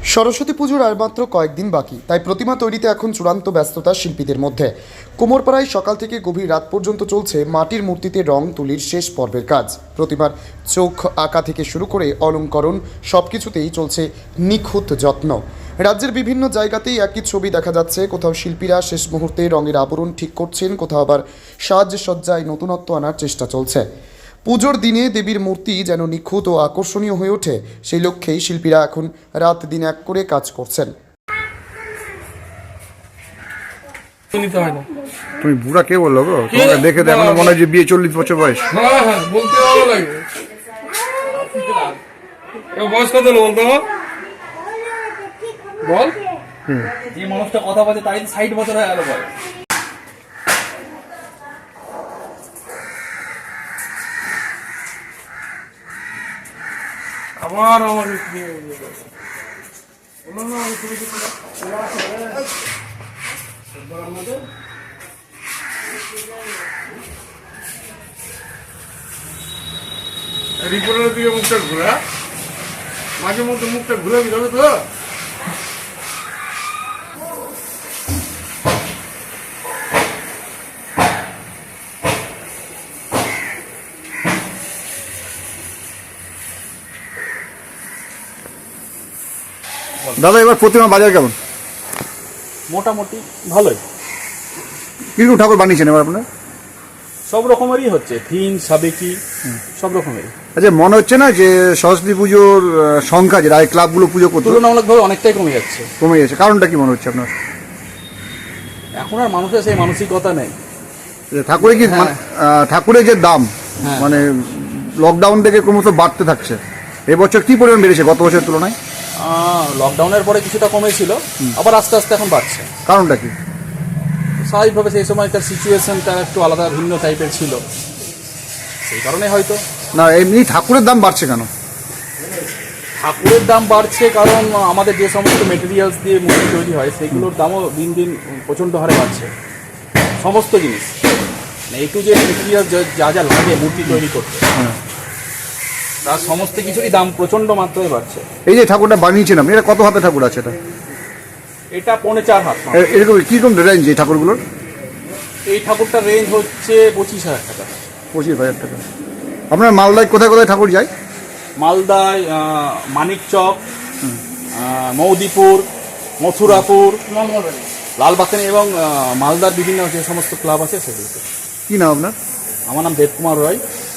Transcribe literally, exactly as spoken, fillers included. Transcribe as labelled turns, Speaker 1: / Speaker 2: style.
Speaker 1: সরস্বতী পুজোর আর মাত্র কয়েকদিন বাকি, তাই প্রতিমা তৈরিতে এখন চূড়ান্ত ব্যস্ততা শিল্পীদের মধ্যে। কুমোরপাড়ায় সকাল থেকে গভীর রাত পর্যন্ত চলছে মাটির মূর্তিতে রং তুলির শেষ পর্বের কাজ। প্রতিমার চোখ আঁকা থেকে শুরু করে অলঙ্করণ সব কিছুতেই চলছে নিখুঁত যত্ন। রাজ্যের বিভিন্ন জায়গাতেই একই ছবি দেখা যাচ্ছে। কোথাও শিল্পীরা শেষ মুহূর্তে রঙের আবরণ ঠিক করছেন, কোথাও আবার সাজসজ্জায় নতুনত্ব আনার চেষ্টা চলছে। পুজোর দিনে দেবীর মূর্তি যেন নিখুঁত ও আকর্ষণীয় হয়ে ওঠে, সেই লক্ষ্যেই শিল্পীরা এখন রাত দিন এক করে কাজ করছেন।
Speaker 2: তুমি বুড়া কে বললো গো? তোমাকে দেখে তো এখনো মনে হয় যে বিয়ে চল্লিশ বছর বয়স।
Speaker 3: হ্যাঁ হ্যাঁ বলতে ভালো লাগে। বয়স কত হলো বলতো? বল।
Speaker 4: যে মানুষটা কথা বলছে তাই ষাট বছর হয়ে গেল বল।
Speaker 3: আবার আমাকে রিপোর্টের দিকে মুখটা ঘোরা, মাঝে মধ্যে মুখটা ঘুরে যাবে তো।
Speaker 2: দাদা, এবার প্রতিমা বাজার কেমন?
Speaker 4: মোটামুটি ভালোই।
Speaker 2: কিরকম ঠাকুর বানিয়েছেন এবার আপনার?
Speaker 4: সব রকমেরই হচ্ছে, থিম সাবেকি সব রকমেরই।
Speaker 2: আচ্ছা, মনে হচ্ছে না যে সরস্বতী পুজোর সংখ্যা যেটা এই ক্লাবগুলো পুজো করতো
Speaker 4: তুলনামূলকভাবে অনেকটাই কমে যাচ্ছে।
Speaker 2: কমে গেছে, কারণটা কি মনে হচ্ছে আপনার?
Speaker 4: এখন আর মানুষের সেই মানসিকতা নেই।
Speaker 2: যে ঠাকুরের কি
Speaker 4: হ্যাঁ।
Speaker 2: আহ, ঠাকুরের যে দাম
Speaker 4: হ্যাঁ।
Speaker 2: মানে লকডাউন থেকে ক্রমশ বাড়তে থাকছে। এবছর কি পরিমাণ বেড়েছে গত বছরের তুলনায়?
Speaker 4: লকডাউনের পরে কিছুটা কমেছিল, আবার আস্তে আস্তে এখন বাড়ছে।
Speaker 2: কারণটা কি?
Speaker 4: স্বাভাবিকভাবে সেই সময়কার সিচুয়েশনটা একটু আলাদা ভিন্ন টাইপের ছিল, সেই কারণে হয়তো।
Speaker 2: না, এমনি ঠাকুরের দাম বাড়ছে কেন?
Speaker 4: ঠাকুরের দাম বাড়ছে কারণ আমাদের যে সমস্ত মেটেরিয়ালস দিয়ে মূর্তি তৈরি হয় সেগুলোর দামও দিন দিন প্রচণ্ড হারে বাড়ছে। সমস্ত জিনিস এই টু যে মেটেরিয়াল যা যা লাগে মূর্তি তৈরি করতে, তার সমস্ত কিছুরই দাম প্রচণ্ড মাত্রায় বাড়ছে।
Speaker 2: এই যে ঠাকুরটা বানিয়েছেন আপনি, এটা কত হাতে ঠাকুর আছে? এটা
Speaker 4: এটা পৌনে চার হাত।
Speaker 2: এ- এরকম কীরকম রেঞ্জ এই ঠাকুরগুলোর?
Speaker 4: এই ঠাকুরটার রেঞ্জ হচ্ছে পঁচিশ হাজার টাকা।
Speaker 2: পঁচিশ হাজার টাকা। আপনার মালদায় কোথায় কোথায় ঠাকুর যায়?
Speaker 4: মালদায় আহ, মানিকচক, আহ, মৌদিপুর, মথুরাপুর, লালবাগান এবং আহ, মালদার বিভিন্ন যে সমস্ত ক্লাব আছে সেগুলোতে।
Speaker 2: কি নাম আপনার?
Speaker 4: আমার নাম দেবকুমার রায়।